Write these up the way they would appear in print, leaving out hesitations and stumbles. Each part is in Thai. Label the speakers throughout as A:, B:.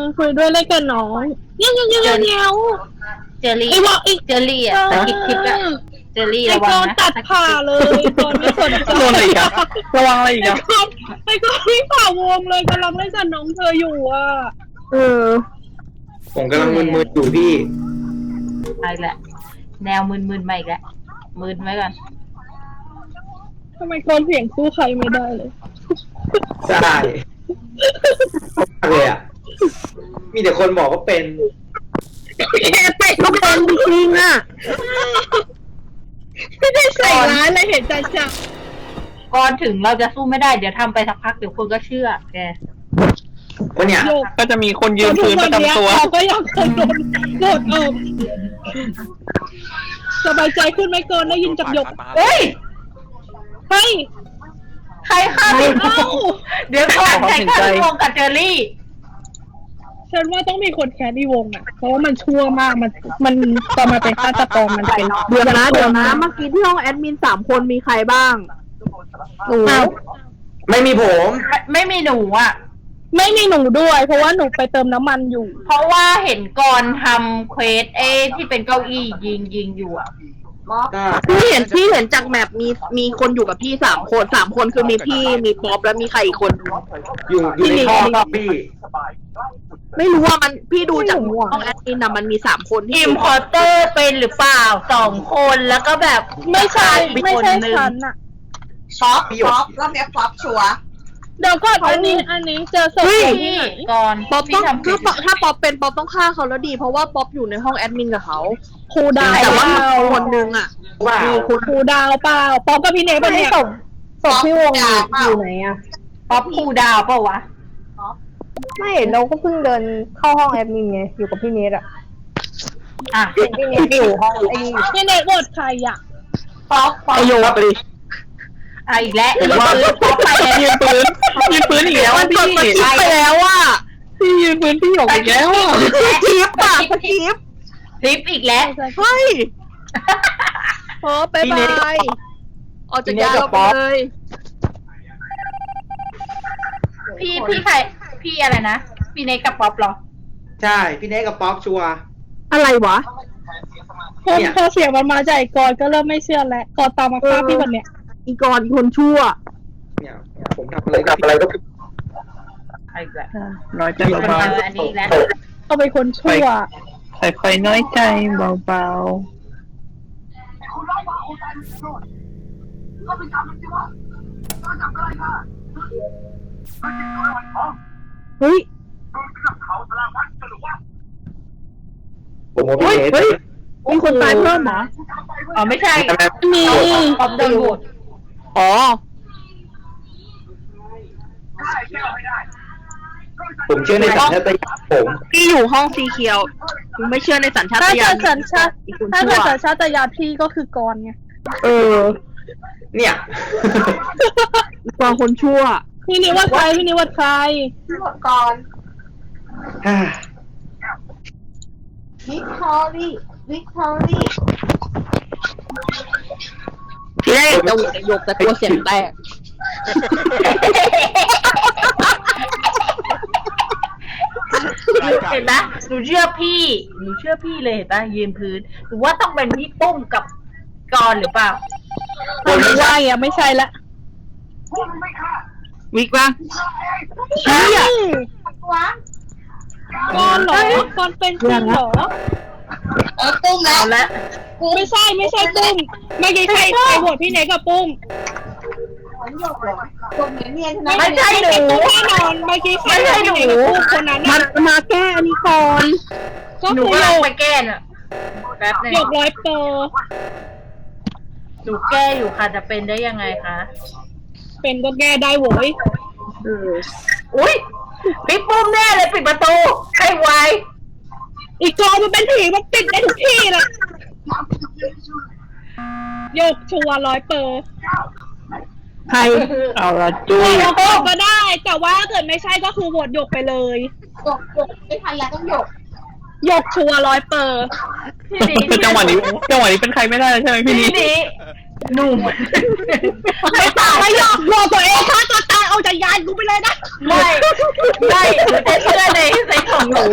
A: คุยด้วยเล่นกับน้องเงี้ย
B: เจอรี่
A: ไอ้บอกอีก
B: เจอรี่อ่ะตะกิดคลิปอ่ะเจอรี่
A: ไอ้
B: ระวั
A: ก
B: ง
A: อน
B: นะ
A: ตัดผ่าเลยกอนไม่สนใจ
C: โดนอะไรอีกอะระวังอะไรอีกอะ
A: ไอ้กอนไม่ผ่าวงเลยกำลังเล่นกับน้องเธออยู่อ่ะ
D: ผมกำลังมึนๆอยู่พี่
B: ไปแหละแนวมึนๆมาอีกแล้วมึนไว้ก่อน
A: ทำไมกอนเสียงสู้ใครไม่ได้เลย
D: ใช่เลยอ่ะมีแต่คนบอกว่าเป็น
A: ไปก็เป็นจริงอ่ะไม่ได้ใส่ร้ายเลยเห็นใจจัง
B: ก่อนถึงเราจะสู้ไม่ได้เดี๋ยวทำไปสักพักเดี๋ยวคนก็เชื่อแก
D: วันเนี้ย
C: ก็จะมีคนยืนพื้นประจำตัว
A: เราก็ยังเคยโดนโดนสบายใจขึ้นไหมกอนได้ยินจากหยก
B: เฮ้ย
A: เฮ้ย
B: ใครฆ่าพี่เดี๋ยวก่อนใครฆ่าพี่วงกับเจอรี่
A: ฉันว่าต้องมีคนแคสที่วงอ่ะเพราะว่ามันชั่วมากมันตอนมาเป็นฆาตกรมันเป็น
E: เดี๋ยวนะเมื่อกี้ที่ห้องแอดมิน3 คนมีใครบ้างหนู
D: ไม่มีผม
B: ไม่มีหนูอ่ะ
A: ไม่มีหนูด้วย เพราะว่าหนูไปเติมน้ำมันอยู่
B: เพราะว่าเห็นก่อนทำเควสที่เป็นเก้าอี้ยิงอยู่อ่ะ
E: พี่เห็นจากแมปมีคนอยู่กับพี่3 คนคือมีพี่มีป๊อปแล้วมีใครอีกคน
D: อยู่ในท่อครับพี่
E: ไม่รู้ว่ามันพี่ดูจากห้องแอดมินนะมันมี3 คนที่
B: อิมพอร์เตอร์เป็นหรือเปล่า2 คนแล้วก็แบบ
A: ไม่ใช่
B: อีก
A: ไม่
B: คน
A: ใช่
B: นึง
A: ฉันอ่ะ
F: ป๊อปรอบนี้ป๊อปชัวร์
A: เดี๋ยวก่อนอันนี้เจอศพที่ไหน
B: ก่อน
E: ป๊อปต้อง
B: ที่ทำผิด
E: ถ้าป๊อปเป็นป๊อปต้องฆ่าเขาแล้วดีเพราะว่าป๊อปอยู่ในห้องแอดมินกับเขา
A: ครูดาว
E: แต่ว่ามีคนนึงอ่ะ
D: ว้าว
A: ครูดาวเปล่าปอมกับพี่เนยเป็นเนี่ย
F: ป๊อปที่วงอยู่ไหน
B: ป๊อปคูลดาวน์เปล่าวะ
G: ไม่เราก็เพิ่งเดินเข้าห้องแอดมินไงอยู่กับพี่เนทอะ
B: อ่ะ
G: พี่เนทอยู่ห้องไอ้
A: พี่เนยโหวตใครอ่ะ
B: ป๊อป
C: ไอโยไปดิ
B: อีกแล้วป๊อปไป
C: ยืนพื้นอีกแล้ว
E: มันกดส
C: พี่
E: กิปไปแล้วอ่ะ
C: พี่ยืนพื้นพี่หยกอีกแล้วอะ
E: สกิปอ่ะสกิป
B: คลิปอีกแล้ว
E: เฮ้ยพอไปบายออกจากยาเราไปเลย
B: พี่ใครพี่อะไรนะพี่เนกกับป๊อปเหรอ
D: ใช่พี่เนกกับป๊อปชัวร์
E: อะไรวะ
A: พอเสียงมันมาจากไอ้กอนก็เริ่มไม่เชื่อแล้วกอนตามมาฆ่าพี่วันเนี้ย
E: อีกรคนชั่ว
D: เนี่ยผมทำอะไรก็ผิด
B: อีกแล้ว
C: น้อยใจ
B: อั
C: เบาน
B: นี้อีกแล้ว
A: เอาเป็นคนชั่ว
C: ๆค่อยๆน้อยใจเบา
E: เฮ้ย
D: ผมว่าพี่เนก
E: มีคนตายเพิ่มเหรอ
B: อ๋อไม่ใช่
A: มี
B: ป๊อปโดนโหวต
E: อ๋อ
D: ผมเชื่อในสัญชาตญาณผม
E: พี่อยู่ห้องสีเขียวไม่เชื่อในสัญชาต
A: ถ้า
E: ญา
A: เกิ
E: ณ
A: ดสัญชาติ
E: อีกคน
A: ถ้า
E: ชั่
A: เกิ
E: ว
A: ดสัญชาตญาณพี่ก็คือกอนไง
D: เนี่ย
E: กองคนชั่ว
A: พี่นิวัดใครพี่นิวัดใคร
F: ก่อน
D: ฮ่า
F: วิกตอรี่
E: ที่แรกจะโหวตหยกแต่ตัวเสียงแตก
B: เห็นไหมหนูเชื่อพี่เลยเห็นปะยืนพื้นหรือว่าต้องเป็นพี่ปุ้มกับกรหรือเปล่า
A: ผมว่าอ่ะไม่ใช่ละ
E: วิกปะ
A: เฮ้ย
F: ว้าก
A: อนเหรอกอนเป็นจริงเหรอ
F: ตุ้มแล้ว
B: เอาละ
A: ไม่ใช่ปุ้มเมื่อกี้ใครโหวตพี่เนยกับปุ้ม
F: หยกเหรอหยกเนียนใช่ไหม
B: ไม่ใช่หนู
A: ปุ้มแน่นอนเมื่อกี้ใครโหวตพี่เนยกับปุ้มคนนั้น
E: มั
A: น่ะ
E: นมาแก้อันนี้ก่อน
A: ก็
B: หนู
A: คือ
B: ก็
A: โย
B: ลอง
A: ก
B: ไปแก้น่ะแป๊บนึง
A: โยก100%
B: หนูแก้อยู่ค่ะจะเป็นได้ยังไงคะ
A: เป็นก็แก้ได้โว้ย
B: อุ้ยพี่ปุ้มแน่เลยปิดประตูให้ไว
A: อีกกอนมันเป็นผีมันปิดได้ทุกที่เลยโยกชัวร์100%
E: ใคร
C: ๆเอาละจุ้
A: โห
C: ยว
A: ตโยกก็ได้ แต่ว่าถ้าเกิดไม่ใช่ก็คือโหวตโยกไปเลย
F: หยกไม่ทันแล้วต้องหยก
A: โยกชัวร์100%
B: พี่ดี
C: คือจังหวะนี้เป็นใครไม่ได้ใช่ไหมพี่
B: พี่
C: นี้
B: ดีหนุ่ม
A: ไม่ตายไม่ยอมโหวตตัวเองฆ่าตัวตายเอาจากยานกูไปเลยนะ
B: ไม่หนูจะเชื่อในของหนู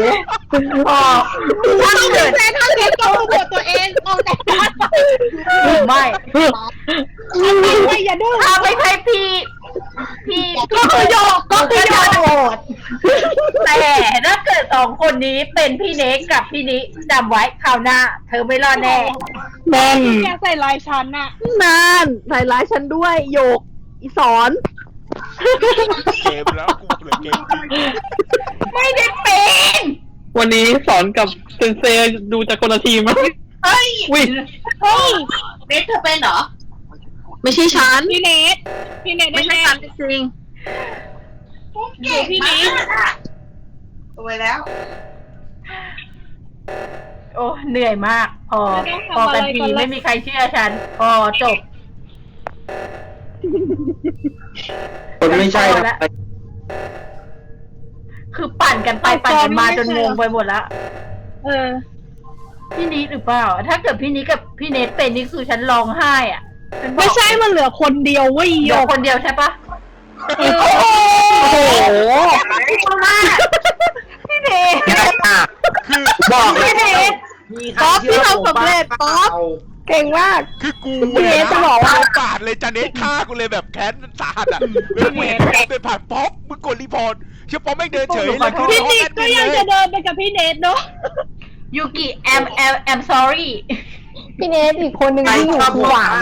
B: อ๋อถ้าเกิด
E: แฟนถ้าเล็กก็โหวตตัวเองออกจากการ
B: ไม่
A: ไม่อย่าดื้อ
B: ถ้าไม่ใช่พี่
E: ก็คือโยกก็คือโยกโหวต
B: แต่ถ้าเกิดสองคนนี้เป็นพี่เน็กกับพี่นิจำไว้คราวหน้า เธอไม่รอดแน่
C: นั่น
A: แกใส่ลายชั้นอะ
E: นานใส่ร้ายฉันด้วยโยกอีสอน
H: เกมแล้วกูเปลี่ยนเกมจริง
B: ไม่ได้เป็น
C: วันนี้สอนกับเซนเซดูจากคนละทีมมั้ย
B: เฮ้ย
C: วิ
A: เฮ้ย
F: เน็ตเธอเป็นเหรอ
E: ไม่ใช่ฉัน
A: พี่เนทพี่เนท
E: ไม่ใช่
A: แน่
E: ฉันจริง
A: เดี๋ยวพี่เนท
F: ตัวแล้ว
B: โอ้เหนื่อยมาก พอกันทีไม่มีใครเชื่อฉัน พอจบ
D: คนไม่ใช่นะ
B: คือปั่นกันไปปั่นกันมาจนงงไปหมดแล้ว
A: เออ
B: พี่นิดหรือเปล่า ถ้าเกิดพี่นิดกับพี่เนทเป็นนี่คือฉันร้องไห้อ่ะฉันบอก
A: ไม่ใช่มันเหลือคนเดียวเว้ยโย
B: เดี๋ยว
A: ก
B: คนเดียวใช่ปะ
A: เออ
C: โอ้โห
B: พี่เนท
H: คือ
D: บอกเลย
B: พี่เนท
E: ป๊อปที่ทำสำเร็จป๊อปเก่งมาก
H: คือกู
E: พี่เนทจะบอกว่า
H: ปาดเลยจานเนสฆ่ากูเลยแบบแค้นสาหัสอ่ะแล้วมึงเห็นป๊อปเดินผ่านป๊อปมึงกดรีพอร์ตเชื่อป๊อปไม่เดินเฉยเลยคือ
A: พี่
H: ในห้อง
A: นิ
H: แอ
A: ด
H: ด
A: ก็
H: มิน
A: ยัง
H: เล
A: จะ
H: ย
A: เดินไปกับพี่เนทเนาะ
B: ยูกิ I'm sorry
G: พี่เนทอีกคนหนึ่งที่อยู่คือหวาน